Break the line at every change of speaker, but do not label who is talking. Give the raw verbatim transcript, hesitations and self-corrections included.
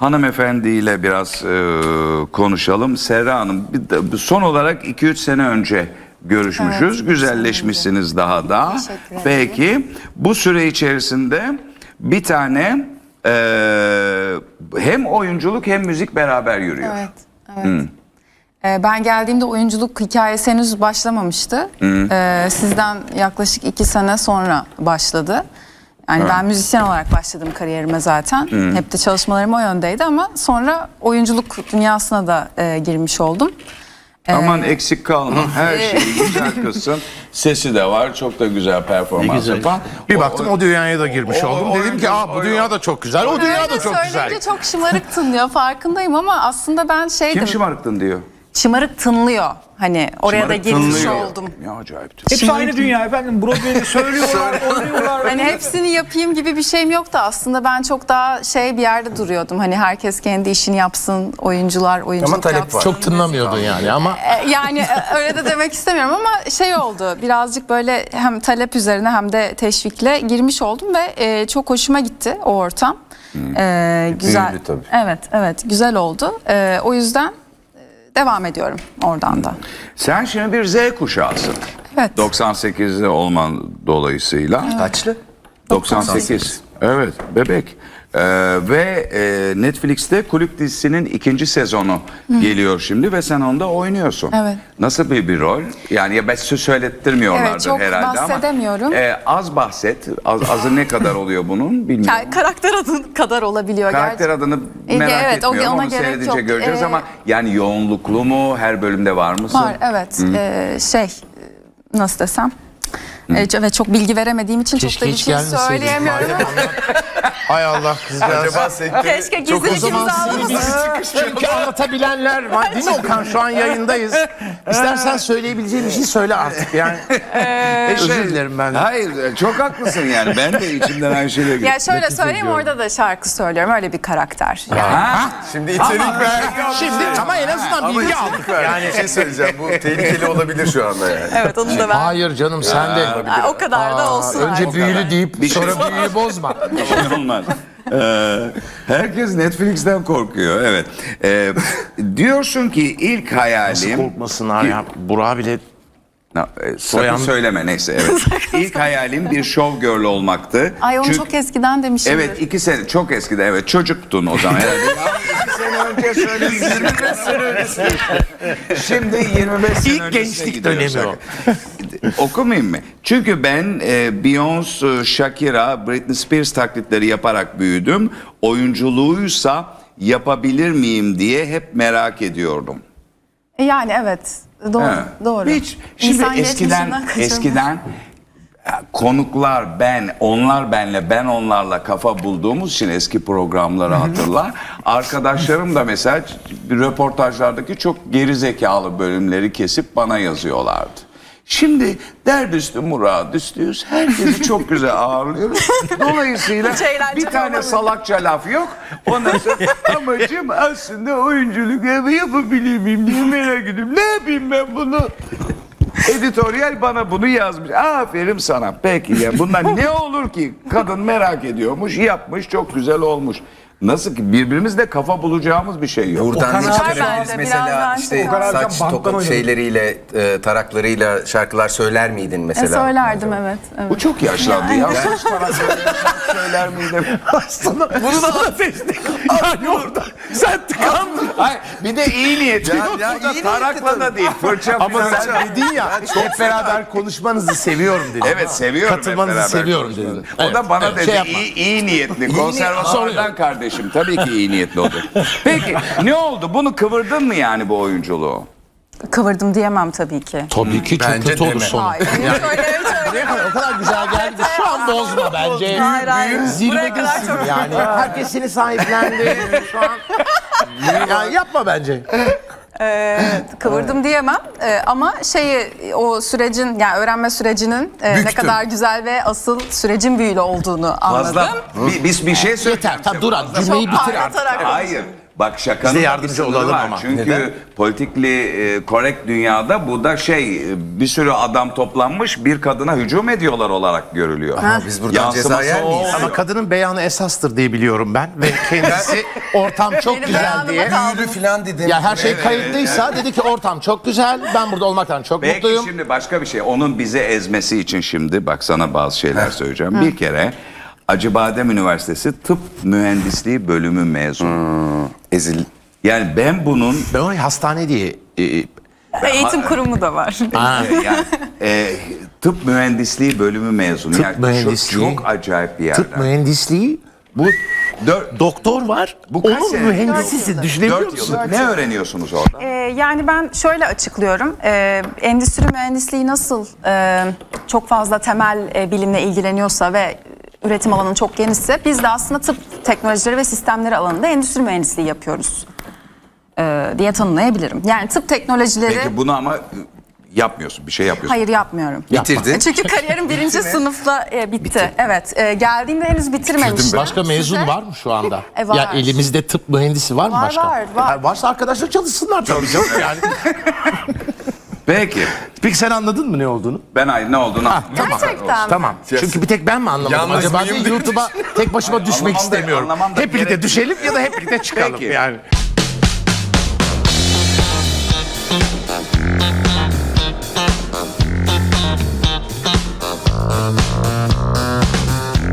hanımefendiyle biraz e, konuşalım. Serra Hanım, bir de, son olarak iki üç sene önce görüşmüşüz.
Evet,
güzelleşmişsiniz daha da.
Teşekkür ederim.
Peki bu süre içerisinde bir tane e, hem oyunculuk hem müzik beraber yürüyor.
Evet, evet. Hmm. Ee, ben geldiğimde oyunculuk hikayesi henüz başlamamıştı.
Hmm.
Ee, sizden yaklaşık iki sene sonra başladı. Yani ben müzisyen olarak başladım kariyerime zaten.
Hmm.
Hep de çalışmalarım o yöndeydi ama sonra oyunculuk dünyasına da e, girmiş oldum.
Aman eksik kalma. Her şeyi güzel kızsın. Sesi de var. Çok da güzel performans
güzel.
yapan.
Bir
O-
baktım o dünyaya da girmiş
o-
oldum.
o-
Dedim ki
o-
aa bu
o-
dünya da çok güzel. O dünya da
Öyle
çok güzel.
söyleyince çok şımarık tınlıyor, farkındayım ama aslında ben şeydim.
Kim şımarıktın diyor.
Şımarık tınlıyor. Hani oraya da
Şımarık
girmiş
tınlıyor.
oldum.
Ya acayip.
Hepsi aynı dünya efendim. Broadway'de söylüyorlar, oynuyorlar.
Hani hepsini yapayım gibi bir şeyim yoktu aslında. Ben çok daha şey bir yerde duruyordum. Hani herkes kendi işini yapsın, oyuncular oyunculuk
Ama talep
yapsın.
var.
Çok tınlamıyordun yani ama
E, Yani e, öyle de demek istemiyorum ama şey oldu. Birazcık böyle hem talep üzerine hem de teşvikle girmiş oldum ve e, çok hoşuma gitti o ortam. E, güzel.
Büyülü tabii.
Evet, evet, güzel oldu. E, o yüzden e, devam ediyorum oradan da.
Sen şimdi bir Z kuşağısın.
Evet.
doksan sekizli olman dolayısıyla.
Kaçlı?
doksan sekiz. Evet, bebek. Ee, ve e, Netflix'te Kulüp dizisinin ikinci sezonu geliyor şimdi ve sen onda oynuyorsun.
Evet.
Nasıl bir bir rol? Yani ya ben söz söylettirmiyorlardır
Evet, çok
herhalde ama.
bahsedemiyorum.
e, az bahset. Az, azı ne kadar oluyor bunun bilmiyorum.
Yani karakter adı kadar olabiliyor.
Karakter
gerçi.
adını
E,
merak
evet, o-
etmiyorum.
ona
Onu
gerek
seyredince
yok.
göreceğiz
Ee,
ama yani yoğunluklu mu? Her bölümde var mısın?
Var, evet. E, şey, e, nasıl desem? E, ve çok bilgi veremediğim için
keşke
çok da bir
hiç
şey
gelmeseydin.
söyleyemiyorum.
hay Allah kızcağız.
Acaba sektörü
Keşke gizli
O zaman
ikimizi
sizi
alalım.
biz çünkü anlatabilenler var değil mi Okan? Şu an yayındayız. İstersen söyleyebileceğin bir şey söyle artık yani. Özür dilerim ben.
Hayır, çok haklısın yani. Ben de içimden aynı şeyleri
Ya şöyle söyleyeyim, orada da şarkı söylüyorum. Öyle bir karakter.
Ha?
Şimdi içerik ver.
Şimdi ama en azından
Ama
bilgi aldık.
içerik ver. Yani bir şey söyleyeceğim. Bu tehlikeli olabilir şu anda yani.
Evet, onu da ben.
Hayır canım sen de.
Aa, o kadar da olsun.
Önce
artık.
büyülü deyip
Bir şey-
sonra büyüyü bozma.
Bir şey olmaz. Ee, herkes Netflix'ten korkuyor. Evet. Ee, diyorsun ki ilk hayalim...
Korkmasınlar ya. Burak'a bile
Na- e, sakın
Soyan-
söyleme neyse. Evet. İlk hayalim bir show girl olmaktı.
Ay onu
Çünkü-
çok eskiden demişim.
Evet, iki sene çok eskide, evet, çocuktun o zaman herhalde. Ya, iki sene önce söyledim. yirmi beş sene öncesi. Şimdi yirmi beş sene
İlk
öncesine
gençlik
gidiyoruz.
dönemi o.
Okumayayım mı? Çünkü ben e, Beyoncé, Shakira, Britney Spears taklitleri yaparak büyüdüm. Oyunculuğuysa yapabilir miyim diye hep merak ediyordum.
E, Yani evet. Doğru.
Ha.
Doğru.
Hiç. Şimdi
İnsan
eskiden
geçmişinden kaçamaz.
eskiden ya, konuklar ben, onlar benle, ben onlarla kafa bulduğumuz için eski programları hatırlar. Arkadaşlarım da mesela bir röportajlardaki çok geri zekalı bölümleri kesip bana yazıyorlardı. Şimdi derdüstü muradüstüyüz. Herkesi çok güzel ağırlıyoruz. Dolayısıyla
Hiç eğlenceli
bir tane
olmadı.
salakça laf yok. Ondan sonra amacım aslında oyunculuk yapabilir miyim diye merak ediyorum. Ne yapayım ben bunu? Editoryal bana bunu yazmış. Aferin sana. Peki ya bundan ne olur ki? Kadın merak ediyormuş, yapmış, çok güzel olmuş. Nasıl ki birbirimizle kafa bulacağımız bir şey yok.
Buradan ne
Var
çıkarabiliriz
bende,
mesela
birazdan
işte
şey var.
saç toka şeyleriyle, e, taraklarıyla şarkılar söyler miydin
E,
mesela?
söylerdim evet. evet.
Bu çok yaşlandı ya. Saç tarak söyler miydim?
Bunu da seçtik. Yani orada sen tıkandın.
Hayır, bir de iyi niyetli.
Ya- ya
Burada
iyi niyetli
tarakla da değil. Fırça
Ama
falan.
sen dedin ya hep beraber konuşmanızı seviyorum dedin.
Evet, seviyorum. hep
Katılmanızı
beraber
seviyorum
konuşmanızı.
dedin.
O da
Evet,
bana
evet,
dedi
şey yapma.
iyi, iyi niyetli. Konservatuvardan kardeşim. Tabii ki iyi niyetli oldu. Peki ne oldu? Bunu kıvırdın mı yani bu oyunculuğu?
Kıvırdım diyemem tabii ki.
Tabii ki çok
Bence
kötü olur
deme.
sonu.
Hayır. Öyle
O kadar güzel geldi ki şu an bozma bence.
Hayır, hayır. Buraya kadar
Zirvedesin
çok-
yani. Herkes seni sahiplendi şu an. Yani yapma bence.
Kıvırdım diyemem Ee, ama şeyi o sürecin yani öğrenme sürecinin e, ne
Büktüm.
kadar güzel ve asıl sürecin büyülü olduğunu anladım.
Fazla. Bi- Biz bir şey söyleyeceğim.
Yeter. Tamam dur abi
Çok
cümleyi bitir artık.
parlatarak
Hayır. Bak şakanın
Biz de
da
yardımcı
bir sınırı
olalım
var.
ama.
Çünkü
Neden?
politikli e, correct dünyada bu da şey e, bir sürü adam toplanmış bir kadına hücum ediyorlar olarak görülüyor.
biz buradan
Yansıması
ceza yer
o
miyiz?
oluyor.
Ama kadının beyanı esastır diye biliyorum ben ve kendisi ortam çok
Benim
güzel
beyanıma
diye.
kaldı.
Büyülü filan dedim.
Ya her şey kayıtlıysa dedi ki ortam çok güzel. Ben burada olmaktan çok
Belki
mutluyum.
şimdi başka bir şey. Onun bizi ezmesi için şimdi bak sana bazı şeyler söyleyeceğim. Bir kere Acıbadem Üniversitesi Tıp Mühendisliği bölümü mezunu.
Ezil.
Yani ben bunun
Ben onu hastane diye e,
Eğitim kurumu da var.
e, yani, e, tıp mühendisliği bölümü mezunu.
Tıp
yani çok-
mühendisliği.
Çok, acayip bir yerden.
tıp mühendisliği
Bu dört,
doktor var.
Bu kaç
onun
sene?
mühendisisin. Düşünebiliyor
dört
musun?
yıllık ne öğreniyorsunuz orada?
Ee, yani ben şöyle açıklıyorum. Ee, endüstri mühendisliği nasıl e, çok fazla temel e, bilimle ilgileniyorsa ve üretim alanı çok genişse biz de aslında tıp teknolojileri ve sistemleri alanında endüstri mühendisliği yapıyoruz ee, diye tanımlayabilirim. Yani tıp teknolojileri
Peki bunu ama yapmıyorsun. Bir şey yapıyorsun.
hayır yapmıyorum.
Bitirdin.
Çünkü kariyerim birinci sınıfla e, bitti. Evet. E, geldiğimde henüz bitirmemiştim.
Başka mezun
Size-
var mı şu anda?
E, var.
Ya elimizde tıp mühendisi var mı
Var,
başka?
var, var.
Ha, varsa arkadaşlar çalışsınlar tabii canım yani.
Peki.
Peki sen anladın mı ne olduğunu?
Ben ay ne olduğunu anlamadım.
Gerçekten.
Tamam. Çünkü bir tek ben mi anlamadım?
Yalnız
Acaba
mıyım
diye
diye
YouTube'a tek başıma düşmek
anlamam da-
istemiyorum.
anlamam da
Hep birlikte
gerek-
düşelim ya da hep birlikte çıkalım
Peki.
yani.